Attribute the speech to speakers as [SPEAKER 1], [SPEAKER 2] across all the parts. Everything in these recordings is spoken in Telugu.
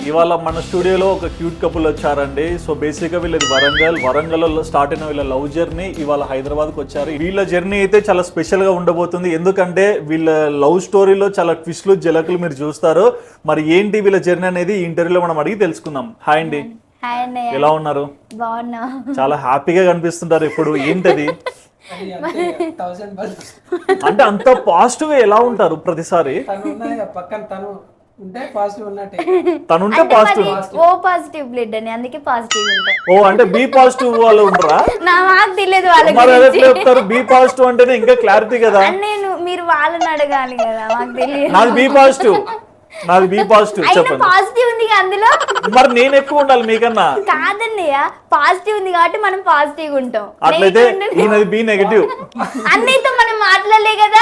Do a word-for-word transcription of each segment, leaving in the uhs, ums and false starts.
[SPEAKER 1] ఇవాళ మన స్టూడియోలో ఒక క్యూట్ కపుల్ వచ్చారండి. సో బేసిక్గా వీళ్ళది వరంగల్ వరంగల్లో స్టార్ట్ అయిన వీళ్ళ లవ్ జర్నీ ఇవాళ హైదరాబాద్కి వచ్చారు. వీళ్ళ జర్నీ అయితే చాలా స్పెషల్గా ఉండబోతుంది, ఎందుకంటే వీళ్ళ లవ్ స్టోరీలో చాలా ట్విస్ట్లు జలకులు మీరు చూస్తారు. మరి ఏంటి వీళ్ళ జర్నీ అనేది ఈ ఇంటర్వ్యూలో మనం అడిగి తెలుసుకుందాం. హాయ్ అండి, ఎలా ఉన్నారు?
[SPEAKER 2] బాగున్నా.
[SPEAKER 1] చాలా హ్యాపీగా కనిపిస్తుంటారు ఇప్పుడు. ఏంటది అంటే అంత పాజిటివ్ ఎలా ఉంటారు ప్రతిసారి? తనుంటే పాజిటివ్,
[SPEAKER 2] ఓ పాజిటివ్ బ్లడ్ అని, అందుకే పాజిటివ్ ఉంటా.
[SPEAKER 1] ఓ అంటే బి పాజిటివ్ వాళ్ళు ఉంటారా?
[SPEAKER 2] నాకు తెలియదు
[SPEAKER 1] మరి అదే చెప్తారు, బి పాజిటివ్ అంటేనే ఇంకా క్లారిటీ కదా.
[SPEAKER 2] నేను మీరు వాళ్ళని అడగాలి కదా, మాకు తెలియదు.
[SPEAKER 1] నాది బి పాజిటివ్, నాది బి పాజిటివ్. చెప్పండి.
[SPEAKER 2] పాజిటివ్ ఉంది అందులో,
[SPEAKER 1] మరి నేను ఎక్కువ ఉండాలి మీకన్నా.
[SPEAKER 2] కాదన్నయ్య, పాజిటివ్ ఉంది కాబట్టి మనం పాజిటివ్ ఉంటాం.
[SPEAKER 1] అట్లయితే ఈయనది బి నెగటివ్.
[SPEAKER 2] అన్నయ్యతో మనం మాట్లాడలే కదా.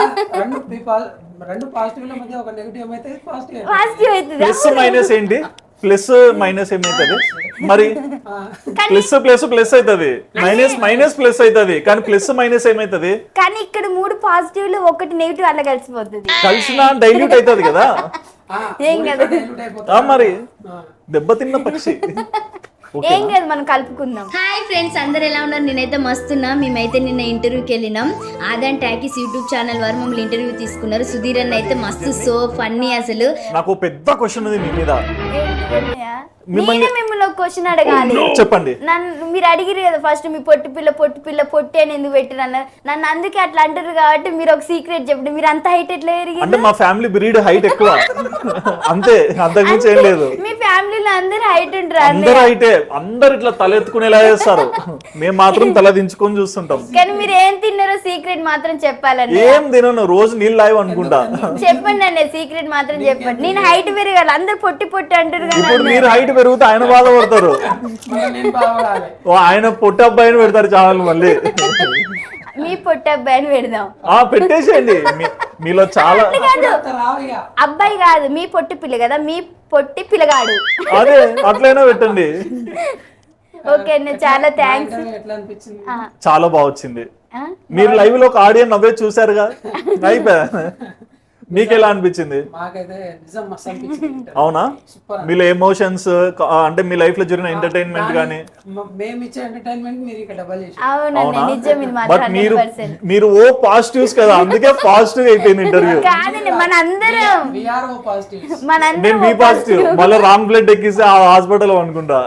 [SPEAKER 3] రెండు పాజిటివ్ లో మధ్య ఒక నెగటివ్ అయితే పాజిటివ్
[SPEAKER 2] పాజిటివ్ అవుతుంది.
[SPEAKER 1] ప్లస్ మైనస్ ఏంటి? ప్లస్ మైనస్ ఏమైతుంది మరి? ప్లస్ ప్లస్ ప్లస్ అవుతుంది, మైనస్ మైనస్ ప్లస్ అవుతుంది, కానీ ప్లస్ మైనస్ ఏమైతుంది?
[SPEAKER 2] కానీ ఇక్కడ మూడు పాజిటివ్ లో ఒకటి నెగిటివ్ అలా కలిసిపోతుంది.
[SPEAKER 1] కలిసిన డైల్యూట్ అవుతుంది కదా.
[SPEAKER 2] ఏం కదా
[SPEAKER 1] మరి దెబ్బతిన్న పక్షి.
[SPEAKER 2] ఏం కాదు, మనం కలుపుకుందాం. హాయ్ ఫ్రెండ్స్, అందరు ఎలా ఉన్నారు? నేనైతే మస్తున్నా. మేమైతే నిన్న ఇంటర్వ్యూకి వెళ్ళినాం. ఆదాన్ టాకీస్ యూట్యూబ్ ఛానల్ వారు మమ్మల్ని ఇంటర్వ్యూ తీసుకున్నారు. సుధీర్ అన్న అయితే మస్తు సో ఫన్నీ. అసలు
[SPEAKER 1] నాకు పెద్ద క్వశ్చన్ ఉంది మీ మీద.
[SPEAKER 2] నేనే మిమ్మల్ని ఒక క్వశ్చన్ అడగాలి.
[SPEAKER 1] చెప్పండి.
[SPEAKER 2] నన్ను మీరు అడిగిరు కదా ఫస్ట్, మీ పొట్టి పిల్ల పొట్టి పిల్ల పొట్టి అని ఎందుకు పెట్టిరు అన్నారు. నన్ను అందుకే అట్లా అంటారు కాబట్టి మీరు ఒక సీక్రెట్ చెప్పండి. మీరు అంత హైట్ ఎట్లా ఎరిగి?
[SPEAKER 1] అంటే మా ఫ్యామిలీ బ్రీడ్ హైట్ ఎక్కువ, అంతే, అంతకుమించి ఏం లేదు.
[SPEAKER 2] మీ ఫ్యామిలీలో అందరు హైట్ ఉంటారు.
[SPEAKER 1] అందరు హైటే, అందరు ఇట్లా తల ఎత్తుకునేలా చేస్తారు, మేము మాత్రం తల దించుకొని చూస్తుంటాం.
[SPEAKER 2] కానీ మీరు ఏం తిన్నారో సీక్రెట్ మాత్రం చెప్పాలండి.
[SPEAKER 1] ఏం తినను, రోజు నీళ్ళు లావు అనుకుంటా.
[SPEAKER 2] చెప్పండి అండి, సీక్రెట్ మాత్రం చెప్పండి. నేను హైట్ పెరగాలి, అందరు పొట్టి పొట్టి అంటారు కదా.
[SPEAKER 1] ఇప్పుడు మీరు హైట్ పెరిగితే ఆయన బాధపడతారు. ఆయన పొట్టి అబ్బాయిని పెడతారు ఛానల్. మళ్ళీ
[SPEAKER 2] మీ పొట్టి అబ్బాయిని పెడదాం.
[SPEAKER 1] ఆ పెట్టేసేయండి, మీలో చాలా
[SPEAKER 2] అబ్బాయి కాదు, మీ పొట్టి పిల్ల కదా, మీ పొట్టి పిల్లగాడు.
[SPEAKER 1] అదే అట్లయినా పెట్టండి.
[SPEAKER 2] ఓకే అండి, చాలా థ్యాంక్స్.
[SPEAKER 1] చాలా బాగా వచ్చింది. మీరు లైవ్ లో ఒక ఆడియో నవ్వే చూసారుగా, అయిపోయా. మీకు ఎలా అనిపించింది? అవునా? మీలో ఎమోషన్స్ అంటే మీ లైఫ్ లో జరిగిన ఎంటర్టైన్మెంట్ గానీ? అవునా? బట్ మీరు మీరు ఓ పాజిటివ్స్ కదా, అందుకే పాజిటివ్ అయిపోయింది ఇంటర్వ్యూ. నేను బి పాజిటివ్, మళ్ళీ రాంగ్ బ్లడ్ ఎక్కిస్తే ఆ హాస్పిటల్ అనుకుంటా.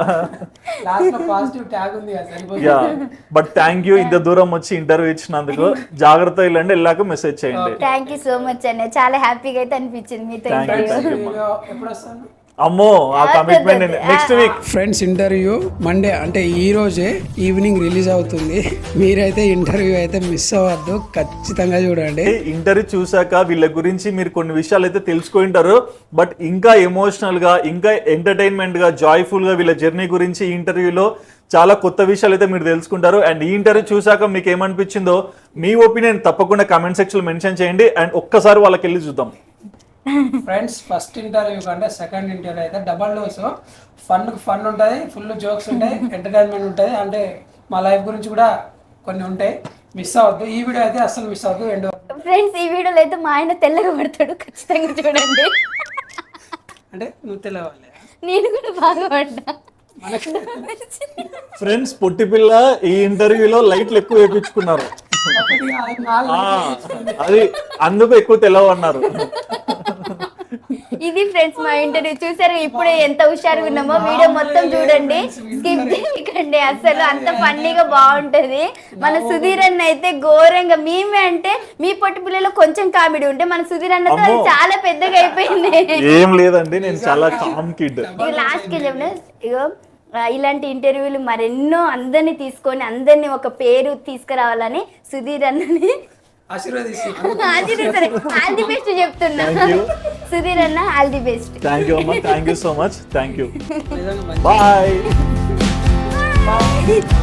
[SPEAKER 1] బట్ థ్యాంక్ యూ, ఇంత దూరం వచ్చి ఇంటర్వ్యూ ఇచ్చినందుకు. జాగ్రత్త వెళ్ళండి, వెళ్ళాక మెసేజ్ చేయండి.
[SPEAKER 2] థ్యాంక్ యూ సో మచ్ అన్న, చాలా హ్యాపీగా అయితే అనిపించింది మీతో ఇంటర్వ్యూ.
[SPEAKER 1] అమ్మో, ఆ commitment next week.
[SPEAKER 3] Friends, interview Monday అంటే ఈ రోజే ఈవినింగ్ రిలీజ్ అవుతుంది. మీరైతే ఇంటర్వ్యూ అయితే మిస్ అవ్వద్దు, ఖచ్చితంగా చూడండి.
[SPEAKER 1] ఇంటర్వ్యూ చూసాక వీళ్ళ గురించి మీరు కొన్ని విషయాలు అయితే తెలుసుకుంటారు. బట్ ఇంకా ఎమోషనల్ గా, ఇంకా ఎంటర్టైన్మెంట్ గా, జాయ్ఫుల్ గా వీళ్ళ జర్నీ గురించి ఈ ఇంటర్వ్యూలో చాలా కొత్త విషయాలు అయితే మీరు తెలుసుకుంటారు. అండ్ ఈ ఇంటర్వ్యూ చూసాక మీకు ఏమనిపించిందో మీ ఒపీనియన్ తప్పకుండా కామెంట్ సెక్షన్ లో మెన్షన్ చేయండి. అండ్ ఒక్కసారి వాళ్ళకి వెళ్ళి చూద్దాం.
[SPEAKER 3] ఫ్రెండ్స్, ఫస్ట్ ఇంటర్వ్యూ కంటే సెకండ్ ఇంటర్వ్యూ అయితే డబల్ డోస్. ఫన్ ఫన్ ఉంటుంది, ఫుల్ జోక్స్ ఉంటాయి, ఎంటర్టైన్మెంట్ ఉంటుంది. అంటే మా లైఫ్ గురించి కూడా కొన్ని ఉంటాయి. మిస్ అవ్వద్దు, ఈ వీడియో అయితే అసలు మిస్ అవ్వద్దు. ఎండ్
[SPEAKER 2] ఫ్రెండ్స్, ఈ వీడియోలో అయితే మా ఆయన తెల్లగా పడతాడు, ఖచ్చితంగా చూడండి.
[SPEAKER 3] అంటే నువ్వు తెల్లవాలి,
[SPEAKER 2] నేను కూడా బాగా పడ్డా.
[SPEAKER 1] ఫ్రెండ్స్, పొట్టి పిల్ల ఈ ఇంటర్వ్యూలో లైట్లు ఎక్కువ వేయించుకున్నారు, అది అందుకు ఎక్కువ తెలవన్నారు.
[SPEAKER 2] ఇది ఫ్రెండ్స్ మా ఇంటర్వ్యూ చూసారు. ఇప్పుడే ఎంత హుషారుగా ఉన్నామో, వీడియో మొత్తం చూడండి, స్కిప్ చేయకండి. అసలు అంత ఫన్నీగా బాగుంటది. మన సుధీర్ అన్న అయితే ఘోరంగా, మేమే అంటే మీ పొట్టి పిల్లలో కొంచెం కామెడీ ఉంటే మన సుధీర్ అన్నతో చాలా పెద్దగా అయిపోయింది.
[SPEAKER 1] ఏం లేదండి, నేను చాలా కామ్ కిడ్.
[SPEAKER 2] ఇక లాస్ట్ కి చెప్పిన, ఇగో ఇలాంటి ఇంటర్వ్యూలు మరెన్నో అందరినీ తీసుకొని అందరినీ ఒక పేరు తీసుకురావాలని సుధీర్ అన్నని ఆశీర్వదిస్తారు. ఆల్ ది బెస్ట్ చెప్తున్నా. సుధీర్ అన్న, all the best.
[SPEAKER 1] Thank you అమ్మా, thank you so much, thank you, bye.